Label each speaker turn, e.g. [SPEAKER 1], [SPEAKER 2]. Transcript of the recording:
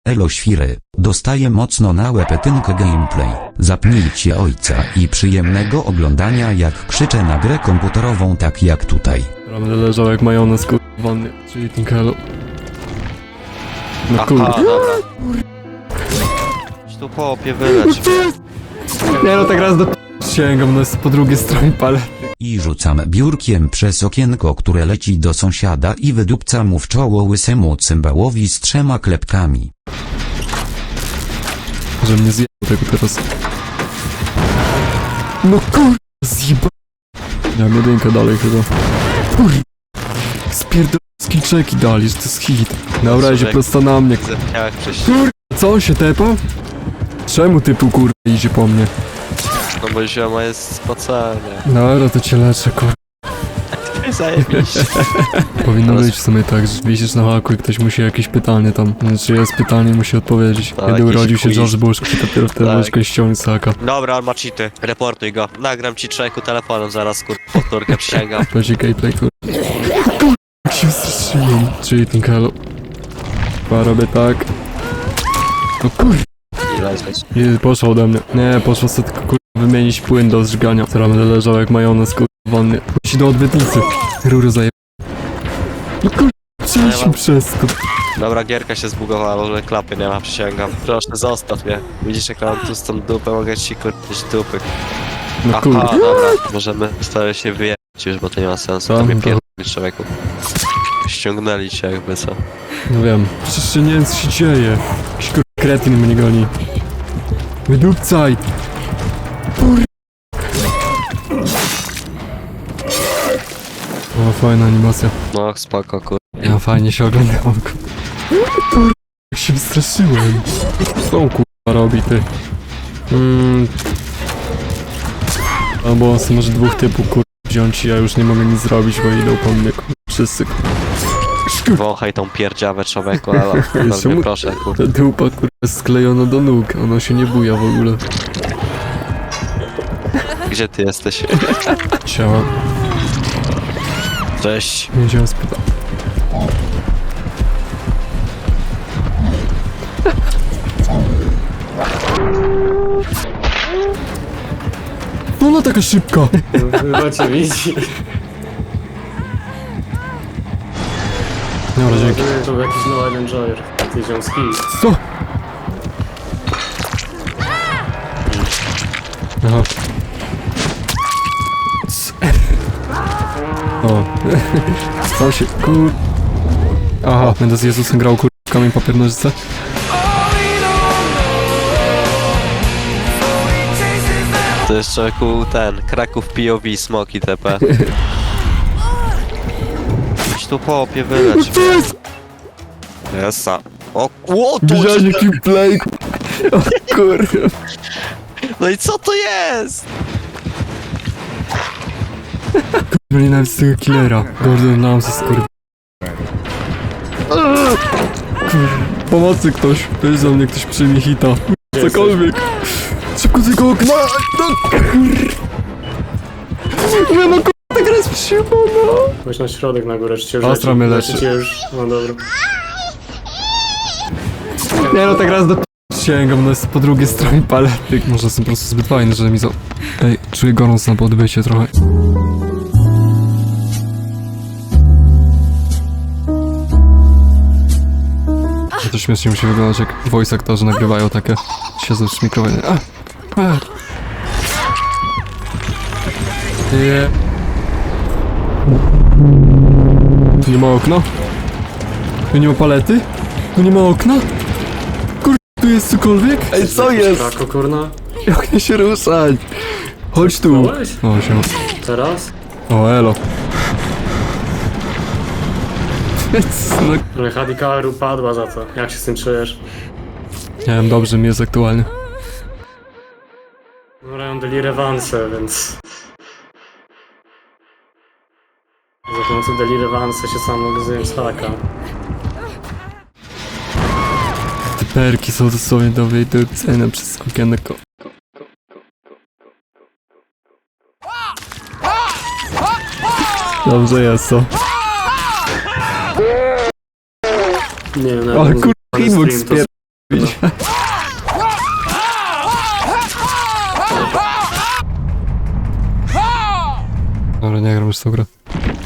[SPEAKER 1] Elo świry, dostaję mocno na łepetynkę gameplay. Zapnijcie ojca i przyjemnego oglądania, jak krzyczę na grę komputerową, tak jak tutaj.
[SPEAKER 2] Będę leżał jak majonez w wannie, czyli Tinkelu. No
[SPEAKER 3] Aha,
[SPEAKER 2] kurde.
[SPEAKER 3] dobra. Tu chłopie, wyleć.
[SPEAKER 2] Nie no, tak raz do sięgam, no jest po drugiej stronie palety.
[SPEAKER 1] I rzucam biurkiem przez okienko, które leci do sąsiada, i wydupcam mu w czoło łysemu cymbałowi z 3 klepkami.
[SPEAKER 2] Że mnie zjebał tego teraz. No kurde, zjeba. Ja mam jedynkę dalej chyba. Kurde. Spierdol skillczeki dali, że to jest hit. Dobra, idzie prosto na mnie.
[SPEAKER 3] Zepniałek przez...
[SPEAKER 2] Kurde, co on się tepa? Czemu typu kurde idzie po mnie?
[SPEAKER 3] No bo zioma jest spocenie.
[SPEAKER 2] Dobra, to cię leczę, kurde.
[SPEAKER 3] Zajebiście.
[SPEAKER 2] Powinno być w sumie tak, że wisisz na haku i ktoś musi jakieś pytanie tam. Znaczy jest pytanie, musi odpowiedzieć.
[SPEAKER 3] Tak,
[SPEAKER 2] Kiedy
[SPEAKER 3] jakiś
[SPEAKER 2] urodził się
[SPEAKER 3] quiz.
[SPEAKER 2] George Bush, to dopiero wtedy
[SPEAKER 3] Tak.
[SPEAKER 2] możesz kogoś ściągnąć z haka.
[SPEAKER 3] Dobra, on ma cheaty. Reportuj go. Nagram ci człowieku telefonem zaraz, powtórkę przysięgam.
[SPEAKER 2] Będzie gameplay, kurde. Jak się wystraszyłem. Czyli Tinkelu. Chyba robię tak. No kurde.
[SPEAKER 3] I lecieć.
[SPEAKER 2] I poszło ode mnie. Nie, poszło sobie tylko kurde wymienić płyn do zżygania. Teraz będę leżał jak majonez kurde w wannie. Pójdź do odbytnicy. Rury zaje... No kurde. Przejdźmy przez to.
[SPEAKER 3] Dobra, gierka się zbugowała, w ogóle klapy nie ma, przysięgam. Proszę, zostaw mnie. Widzisz, jak mam tu stąd dupę, mogę ci kurczyć dupy.
[SPEAKER 2] No
[SPEAKER 3] Aha,
[SPEAKER 2] kurde.
[SPEAKER 3] dobra. Możemy starać się wyjechać już, bo to nie ma sensu.
[SPEAKER 2] Co?
[SPEAKER 3] To mnie
[SPEAKER 2] To-
[SPEAKER 3] pierdoli, człowieku. Ściągnęli cię jakby, co?
[SPEAKER 2] No wiem. Przecież nie wiem co się dzieje. Jakiś kurde kretyn mnie goni. Wydupcaj! Kur... O, fajna animacja.
[SPEAKER 3] No, spoko, kur...
[SPEAKER 2] Ja fajnie się oglądałem. Kur... Jak się wystraszyłem. Co on kurwa robi, ty? Albo on może dwóch typów kurwa wziąć i ja już nie mogę nic zrobić, bo idą po mnie kurwa. Wszyscy kurwa.
[SPEAKER 3] Wąchaj tą pierdziawę, człowieku, ale bardzo
[SPEAKER 2] Czemu-
[SPEAKER 3] mnie proszę, kur...
[SPEAKER 2] Ta dupa kurwa jest sklejona do nóg. Ona się nie buja w ogóle.
[SPEAKER 3] Gdzie ty jesteś?
[SPEAKER 2] Ciała.
[SPEAKER 3] Cześć.
[SPEAKER 2] Nie wiedziałem spytać. No ona taka szybka!
[SPEAKER 4] Chyba cię widzi.
[SPEAKER 2] Dobra, dzięki.
[SPEAKER 4] To był jakiś No Island Joyer. Ty ziomski.
[SPEAKER 2] Co? Aha. O. Stał się kur... Aha, będę z Jezusem grał kur... kamień papier nożyce.
[SPEAKER 3] To jest człowieku ten, Kraków POV, smoki TP. Idź tu chłopie, wyleć. Jesa. O, tu!
[SPEAKER 2] Widziałeś jaki play? O kurwa.
[SPEAKER 3] No i co to jest?
[SPEAKER 2] Kurwa, nienawidzę tego killera. Gordon Ramsay, kurwa. Pomocy ktoś. Weź za mnie ktoś przyjmie hita. Cokolwiek. Szybko z tego okna. No kurwa. No kurwa, ta gra jest przyjemna.
[SPEAKER 4] Chodź na środek na górę, czy cię już
[SPEAKER 2] Astra mnie leczy.
[SPEAKER 4] Cię już... No dobra.
[SPEAKER 2] Nie no, tak raz do sięgam, no jest po drugiej stronie palety. Może jestem po prostu zbyt fajny, że mi za... Ej, czuję gorąc na podbycie trochę. To śmiesznie musi wyglądać, jak voice aktorzy nagrywają takie. Siedzą w mikrofonie. Nie. Tu nie ma okna? Tu nie ma palety? Tu nie ma okna? Kur... tu jest cokolwiek? Ej, co jest?
[SPEAKER 4] Krako, kurna.
[SPEAKER 2] Jak nie się ruszać? Chodź tu.
[SPEAKER 4] Dałeś?
[SPEAKER 2] O, się.
[SPEAKER 4] Teraz?
[SPEAKER 2] O, elo. No,
[SPEAKER 4] Ale Hadikaru upadła za to. Jak się z tym czujesz?
[SPEAKER 2] nie wiem, dobrze mi jest aktualnie.
[SPEAKER 4] No, mają deli rewanse, więc... Za pomocą deli rewanse się sam magazynem z haka.
[SPEAKER 2] Te perki są dosłownie do wyjęcia przez okienko. Dobrze jest, co?
[SPEAKER 4] Nie wiem,
[SPEAKER 2] Ale
[SPEAKER 4] nawet
[SPEAKER 2] kur...
[SPEAKER 4] stream
[SPEAKER 2] hitbox
[SPEAKER 4] to
[SPEAKER 2] Dobra, nie gram już w tą grę.